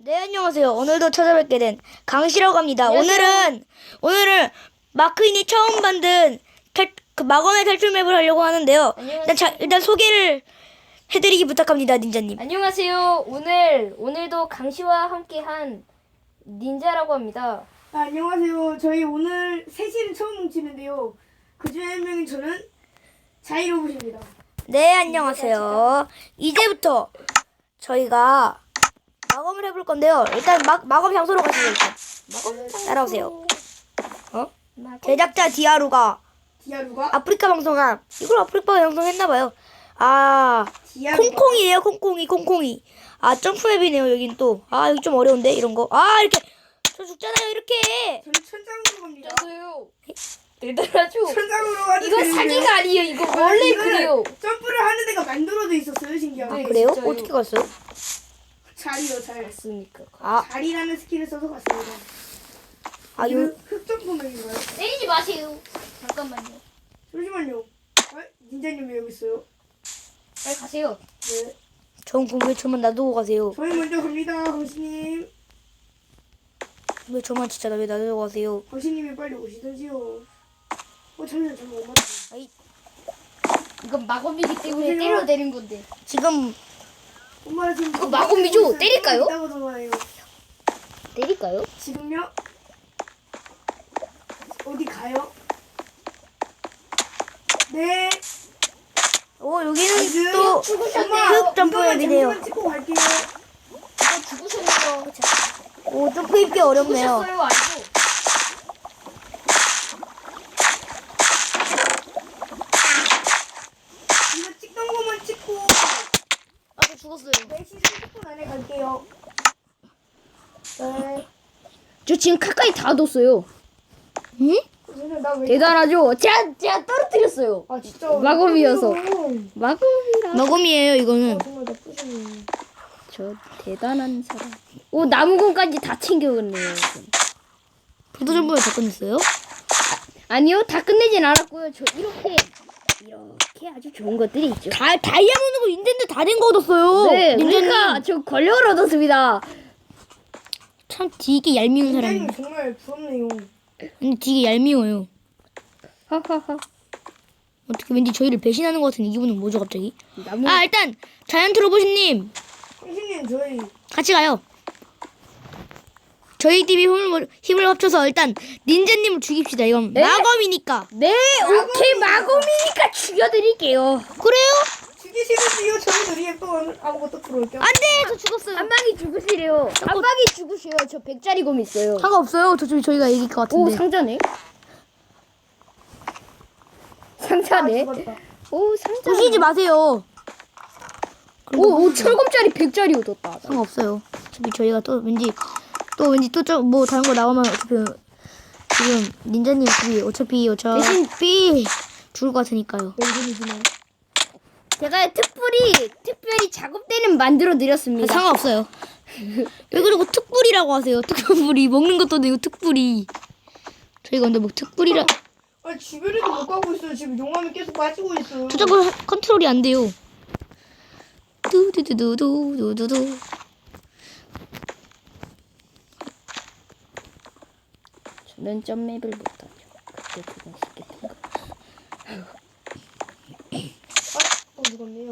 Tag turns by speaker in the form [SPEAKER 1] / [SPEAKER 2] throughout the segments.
[SPEAKER 1] 네, 안녕하세요. 오늘도 찾아뵙게 된 강씨라고 합니다.
[SPEAKER 2] 안녕하세요.
[SPEAKER 1] 오늘은 마크인이 처음 만든 그 마검의 탈출 맵을 하려고 하는데요.
[SPEAKER 2] 안녕하세요.
[SPEAKER 1] 일단 소개를 해드리기 부탁합니다, 닌자님.
[SPEAKER 2] 안녕하세요. 오늘도 강씨와 함께한 닌자라고 합니다.
[SPEAKER 3] 안녕하세요. 저희 오늘 셋이는 처음 뭉치는데요. 그 중에 한 명인 저는 자이로봇입니다.
[SPEAKER 1] 네, 안녕하세요. 이제부터 저희가 마검을 해볼 건데요. 일단 마검 장소로 가시죠, 일단. 따라오세요. 제작자 디아루가
[SPEAKER 3] 디아루가
[SPEAKER 1] 아프리카 방송한, 이걸 아프리카 방송했나봐요. 아,
[SPEAKER 3] 디아루가
[SPEAKER 1] 콩콩이에요, 콩콩이. 아, 점프맵이네요, 여긴 또. 아, 여기 좀 어려운데, 이런 거. 아, 이렇게. 저 죽잖아요, 이렇게.
[SPEAKER 3] 저는 천장으로 갑니다.
[SPEAKER 2] 저도요. 대단하죠.
[SPEAKER 3] 천장으로 가도
[SPEAKER 2] 이거
[SPEAKER 3] 되는데요?
[SPEAKER 2] 사기가 아니에요. 이거 원래
[SPEAKER 3] 이거는
[SPEAKER 2] 그래요.
[SPEAKER 3] 점프를 하는 데가 만들어져 있었어요. 신기하게.
[SPEAKER 2] 네.
[SPEAKER 1] 그래요?
[SPEAKER 2] 진짜요?
[SPEAKER 1] 어떻게 갔어요?
[SPEAKER 3] 자리요, 잘.
[SPEAKER 2] 됐으니까.
[SPEAKER 1] 아,
[SPEAKER 3] 자리라는 스킬을 써서 갔습니다.
[SPEAKER 1] 아,
[SPEAKER 3] 이거 흑점프맵인가요?
[SPEAKER 2] 때리지 마세요. 잠깐만요.
[SPEAKER 3] 잠시만요. 닌자님 왜 여기 있어요?
[SPEAKER 2] 빨리 가세요.
[SPEAKER 3] 네.
[SPEAKER 1] 전 공개초만 놔두고 가세요.
[SPEAKER 3] 저희 먼저 갑니다. 강신님.
[SPEAKER 1] 왜 저만 진짜 왜 놔두고 가세요?
[SPEAKER 3] 강신님이 빨리 오시던지요. 잠시만 엄마.
[SPEAKER 1] 아이,
[SPEAKER 2] 이건 마검이기 때문에
[SPEAKER 3] 여보세요?
[SPEAKER 2] 때려야 되는 건데.
[SPEAKER 1] 지금,
[SPEAKER 3] 엄마가 지금
[SPEAKER 2] 이거 마검이죠? 때릴까요?
[SPEAKER 3] 있다고 전화해요.
[SPEAKER 2] 때릴까요?
[SPEAKER 3] 지금요? 어디 가요? 네.
[SPEAKER 1] 여기는 또
[SPEAKER 2] 죽으셨네요.
[SPEAKER 1] 흑 점프맵이네요.
[SPEAKER 3] 잠시만 찍고 갈게요.
[SPEAKER 2] 이거 죽으셨네요.
[SPEAKER 1] 오, 점프 입기 어렵네요.
[SPEAKER 2] 죽으셨어요, 아니고.
[SPEAKER 3] 이거 찍던 거만 찍고
[SPEAKER 1] 아, 저 죽었어요.
[SPEAKER 3] 4시 30분 안에 갈게요. 네.
[SPEAKER 2] 저 지금 가까이 다 뒀어요.
[SPEAKER 1] 응?
[SPEAKER 3] 그러면 나 왜?
[SPEAKER 2] 대단하죠? 제가 떨어뜨렸어요.
[SPEAKER 3] 아 진짜.
[SPEAKER 2] 마검이어서.
[SPEAKER 3] 나쁘네요.
[SPEAKER 2] 마검이라.
[SPEAKER 1] 마검이에요, 이거는.
[SPEAKER 3] 정말 나쁘시네요.
[SPEAKER 2] 저 대단한 사람. 오, 나무건까지 다 챙겨갔네요.
[SPEAKER 1] 불도 점프를 다 끝냈어요?
[SPEAKER 2] 아니요, 다 끝내진 않았고요. 저 이렇게 아주 좋은 것들이 있죠.
[SPEAKER 1] 다이아몬드고 닌텐도 다 된 거 얻었어요.
[SPEAKER 2] 네,
[SPEAKER 1] 닌자님.
[SPEAKER 2] 그러니까 저 권력을 얻었습니다.
[SPEAKER 1] 참 되게 얄미운 사람이에요.
[SPEAKER 3] 닌자님 정말 부럽네요.
[SPEAKER 1] 근데 되게 얄미워요.
[SPEAKER 2] 하하하.
[SPEAKER 1] 어떻게 왠지 저희를 배신하는 것 같은 이 기분은 뭐죠, 갑자기?
[SPEAKER 2] 나무.
[SPEAKER 1] 아, 일단 자이언트 로봇님
[SPEAKER 3] 강신님 저희
[SPEAKER 1] 같이 가요. 저희 팀이 힘을 합쳐서 일단 닌자님을 죽입시다. 이건
[SPEAKER 2] 네?
[SPEAKER 1] 마검이니까.
[SPEAKER 2] 네, 오케이, 마검이니까 죽여드릴게요.
[SPEAKER 1] 그래요?
[SPEAKER 3] 죽이시는지요? 저희 우리 또 아무것도 들어올게요.
[SPEAKER 1] 안돼, 저 죽었어요.
[SPEAKER 2] 한 방이 죽으시래요. 한 방이 죽으셔요. 저 100짜리 검 있어요.
[SPEAKER 1] 상관없어요. 저희가 이길 것
[SPEAKER 2] 오,
[SPEAKER 1] 같은데.
[SPEAKER 2] 상자네. 상자네.
[SPEAKER 3] 죽었다.
[SPEAKER 2] 오, 상자.
[SPEAKER 1] 부시지 마세요.
[SPEAKER 2] 오, 철검짜리 100짜리 얻었다.
[SPEAKER 1] 상관없어요. 어차피 저희가 또 왠지 뭐 다른 거 나오면 어차피 지금 닌자님 어차피
[SPEAKER 2] 대신-
[SPEAKER 1] 죽을 것 같으니까요.
[SPEAKER 3] 왼손이지만.
[SPEAKER 2] 제가 특별히 작업대는 만들어 드렸습니다.
[SPEAKER 1] 상관없어요. 왜 그러고 특불이라고 하세요? 특불이 먹는 것도 아니고 특불이. 저희가 근데 뭐 특불이라
[SPEAKER 3] 주변에도 못 가고 있어요. 지금 용암이 계속 빠지고 있어요.
[SPEAKER 1] 저 자꾸 컨트롤이 안 돼요. 두두두두두두두.
[SPEAKER 2] 저는 점맵을 못하죠. 그때 그건 쉽게 통과.
[SPEAKER 3] 죽었네요.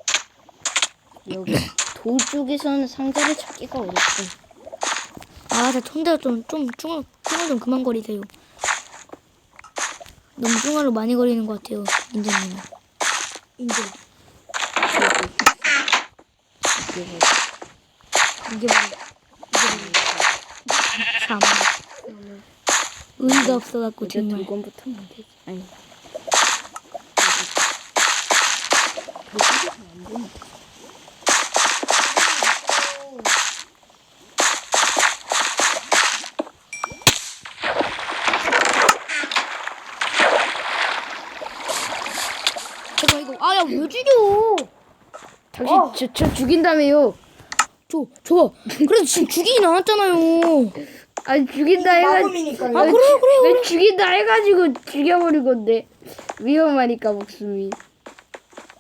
[SPEAKER 2] 여기 돌 쪽에서는 상자를 찾기가 어렵고.
[SPEAKER 1] 아, 저 총대가 좀 중얼 좀 그만 거리세요. 너무 중얼로 많이 거리는 것 같아요, 닌자님은.
[SPEAKER 3] 인정.
[SPEAKER 1] 이게 참 의의가 없어갖고
[SPEAKER 2] 이제
[SPEAKER 1] 정말.
[SPEAKER 2] 두건부터 하면 되지. 아니.
[SPEAKER 1] 잠깐 이거 아야 왜 죽여?
[SPEAKER 2] 당신 저 죽인다며요.
[SPEAKER 1] 저 그래도 지금 죽이진 않았잖아요.
[SPEAKER 2] 아니 죽인다 해가지고.
[SPEAKER 3] 마검이니까요.
[SPEAKER 1] 아 그래요.
[SPEAKER 2] 왜 죽인다 해가지고 죽여버린 건데 위험하니까 목숨이.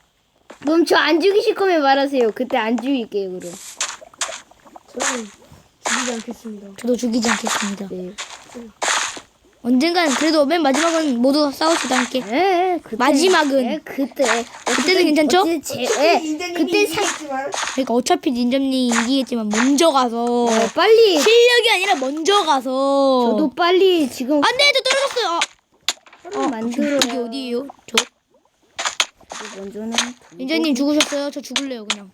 [SPEAKER 2] 그럼 저 안 죽이실 거면 말하세요. 그때 안 죽일게요 그럼.
[SPEAKER 3] 저는 죽이지 않겠습니다.
[SPEAKER 1] 저도 죽이지 않겠습니다.
[SPEAKER 2] 네.
[SPEAKER 1] 언젠간 그래도 맨 마지막은 모두 싸우시다 함께.
[SPEAKER 2] 그때,
[SPEAKER 1] 마지막은.
[SPEAKER 2] 그때는
[SPEAKER 1] 괜찮죠?
[SPEAKER 2] 그때
[SPEAKER 3] 이기겠지만
[SPEAKER 1] 그러니까 어차피 닌자님이 이기겠지만 먼저 가서
[SPEAKER 2] 빨리
[SPEAKER 1] 실력이 아니라 먼저 가서.
[SPEAKER 2] 저도 빨리 지금
[SPEAKER 1] 안돼, 저 떨어졌어요.
[SPEAKER 2] 화를 만들어야
[SPEAKER 1] 여기 어디예요? 저
[SPEAKER 2] 먼저는
[SPEAKER 1] 닌자님 죽으셨어요? 저 죽을래요 그냥.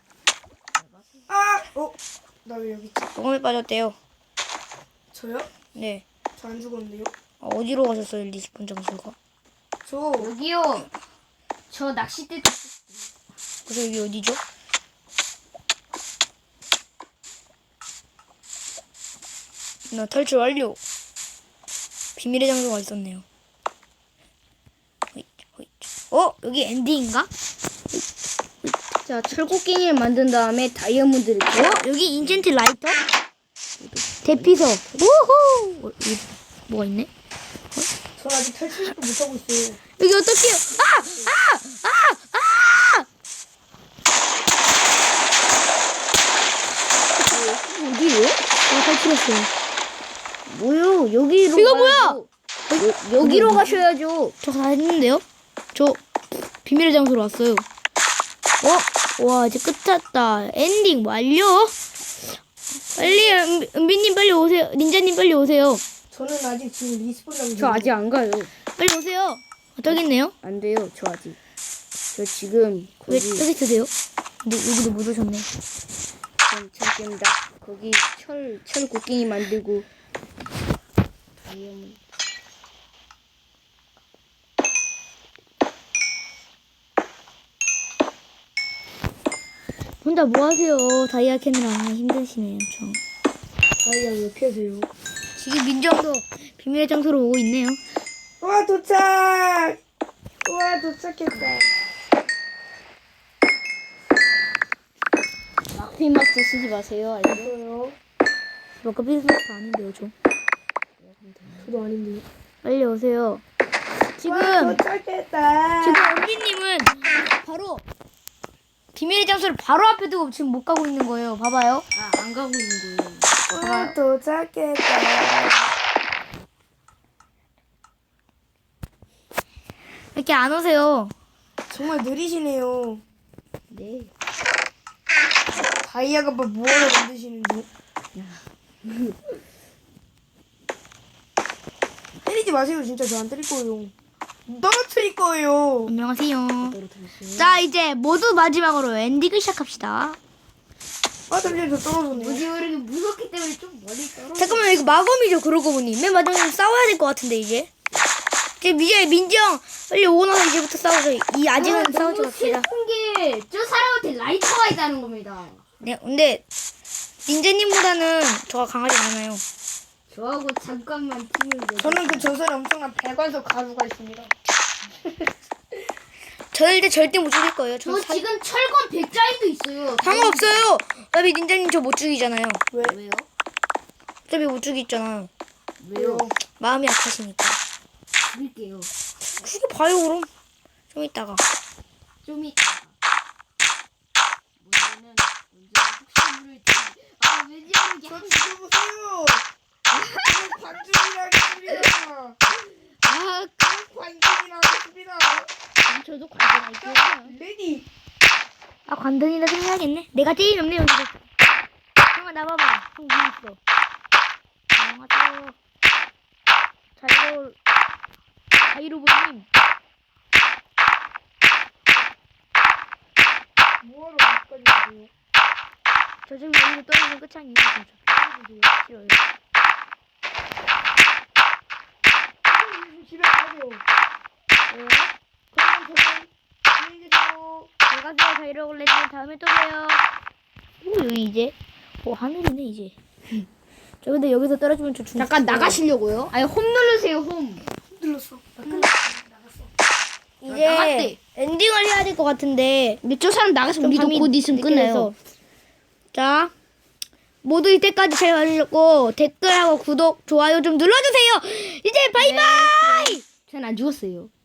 [SPEAKER 3] 나 왜 여기 있지?
[SPEAKER 1] 보검에 빠졌대요.
[SPEAKER 3] 저요?
[SPEAKER 1] 네.
[SPEAKER 3] 저 안 죽었는데요?
[SPEAKER 1] 어디로 가셨어요 리스폰 장소가?
[SPEAKER 3] 저
[SPEAKER 2] 여기요. 저 낚싯대
[SPEAKER 1] 그래서 여기 어디죠? 나 탈출 완료. 비밀의 장소가 있었네요. 여기 엔딩인가?
[SPEAKER 2] 자 철곡갱이를 만든 다음에 다이아몬드를
[SPEAKER 1] 여기 인젠트 라이터? 대피석. 우후! 여기 뭐가 있네?
[SPEAKER 3] 전 아직 탈출도 못하고 있어요.
[SPEAKER 1] 여기 어떡해요?
[SPEAKER 2] 어디요?
[SPEAKER 1] 탈출했어요.
[SPEAKER 2] 뭐요? 여기로
[SPEAKER 1] 이거
[SPEAKER 2] 가야죠. 여기로 가셔야죠.
[SPEAKER 1] 저 다 했는데요? 저 비밀의 장소로 왔어요. 와 이제 끝났다. 엔딩 완료. 빨리 은비님 빨리 오세요. 닌자님 빨리 오세요.
[SPEAKER 3] 저는 아직 지금 리스폰 장소.
[SPEAKER 2] 저 아직 안 가요.
[SPEAKER 1] 빨리 오세요. 저기 있네요.
[SPEAKER 2] 안 돼요. 저 아직. 저 지금
[SPEAKER 1] 왜
[SPEAKER 2] 거기
[SPEAKER 1] 여기 있으세요? 근데 여기도 못 오셨네.
[SPEAKER 2] 괜찮습니다. 거기 철 곡갱이 만들고 다이아몬드.
[SPEAKER 1] 혼자 뭐 하세요? 다이아 캐느라 힘드시네요, 엄청.
[SPEAKER 3] 다이아 왜 캐세요?
[SPEAKER 1] 지금 민정도 비밀의 장소로 오고 있네요.
[SPEAKER 3] 와 도착! 와 도착했다.
[SPEAKER 2] 마크마스 쓰지 마세요. 알죠?
[SPEAKER 3] 저요?
[SPEAKER 1] 뭐가 비슷한 아닌데요, 저.
[SPEAKER 3] 저도 아닌데요.
[SPEAKER 1] 빨리 오세요.
[SPEAKER 3] 와
[SPEAKER 1] 지금
[SPEAKER 3] 도착했다.
[SPEAKER 1] 은비님은 바로 비밀의 장소를 바로 앞에 두고 지금 못 가고 있는 거예요. 봐봐요.
[SPEAKER 2] 안 가고 있는 거예요.
[SPEAKER 3] 와 도착했다.
[SPEAKER 1] 이렇게 안 오세요.
[SPEAKER 3] 정말 느리시네요.
[SPEAKER 2] 네.
[SPEAKER 3] 다이아가 뭐하러 만드시는지. 때리지 마세요. 진짜 저 안 때릴 거예요. 떨어뜨릴 거예요.
[SPEAKER 1] 안녕하세요. 자, 이제 모두 마지막으로 엔딩을 시작합시다.
[SPEAKER 3] 잠시만 저 떨어졌네요.
[SPEAKER 2] 뭐지 모르게 무섭기 때문에 좀 멀리 떨어.
[SPEAKER 1] 잠깐만, 이거 마검이죠, 그러고 보니. 맨 마지막에 싸워야 될 것 같은데, 이제. 이제 민지형, 빨리 오고 나서 이제부터 싸우죠. 아직은 싸우지 맙시다.
[SPEAKER 2] 슬픈 게 저 사람한테 라이터가 있다는 겁니다.
[SPEAKER 1] 네, 근데, 닌자님보다는 저가 강하지 않아요.
[SPEAKER 2] 저하고 잠깐만 팀을 내.
[SPEAKER 3] 저는 그 전설에 엄청난 배관석 가루가 있습니다.
[SPEAKER 1] 저는 일단 절대 못 죽일 거예요.
[SPEAKER 2] 저 지금 철권 100짜리도 있어요.
[SPEAKER 1] 상관없어요. 어차피 닌자님 저 못 죽이잖아요.
[SPEAKER 2] 왜요?
[SPEAKER 1] 어차피 못 죽이잖아요.
[SPEAKER 2] 왜요?
[SPEAKER 1] 마음이 약하시니까.
[SPEAKER 2] 드릴게요.
[SPEAKER 1] 죽여봐요, 그럼. 좀 이따가.
[SPEAKER 2] 좀 이따. 문제는 혹시물을 왠지 모르게
[SPEAKER 3] 저 죽여보세요. 관중이라 하겠습니다. 관중이라 하겠습니다.
[SPEAKER 2] 저도 관전할게요.
[SPEAKER 3] 레디.
[SPEAKER 1] 관전이라 생각하겠네. 내가 제일 없네, 여기서. 형아, 나봐봐. 형 위에 있어. 안녕하세요. 자이로보님.
[SPEAKER 3] 뭐하러 여기까지 가세요?
[SPEAKER 1] 저 지금 여기서 떨어지면 끝이 아니에요. 저 싫어요.
[SPEAKER 3] 집에 가세요.
[SPEAKER 1] 왜요?
[SPEAKER 3] 그럼 저는 안녕히 계세요.
[SPEAKER 1] 안녕하세요, 자이로볼레님. 다음에 또 봬요. 여기 이제. 하늘이네, 이제. 저 근데 여기서 떨어지면 저 죽는
[SPEAKER 2] 잠깐 나가시려고요? 아니 홈 누르세요 홈.
[SPEAKER 3] 흔들렸어.
[SPEAKER 1] 이제
[SPEAKER 2] 나갔대.
[SPEAKER 1] 엔딩을 해야 될 것 같은데.
[SPEAKER 2] 근데 저 사람 나가서
[SPEAKER 1] 좀
[SPEAKER 2] 우리도
[SPEAKER 1] 밤이
[SPEAKER 2] 곧 있으면
[SPEAKER 1] 늦게
[SPEAKER 2] 끝나요.
[SPEAKER 1] 돼서. 자, 모두 이때까지 잘 봐주셨고 댓글하고 구독, 좋아요 좀 눌러주세요. 이제 바이바이.
[SPEAKER 2] 전 안 죽었어요.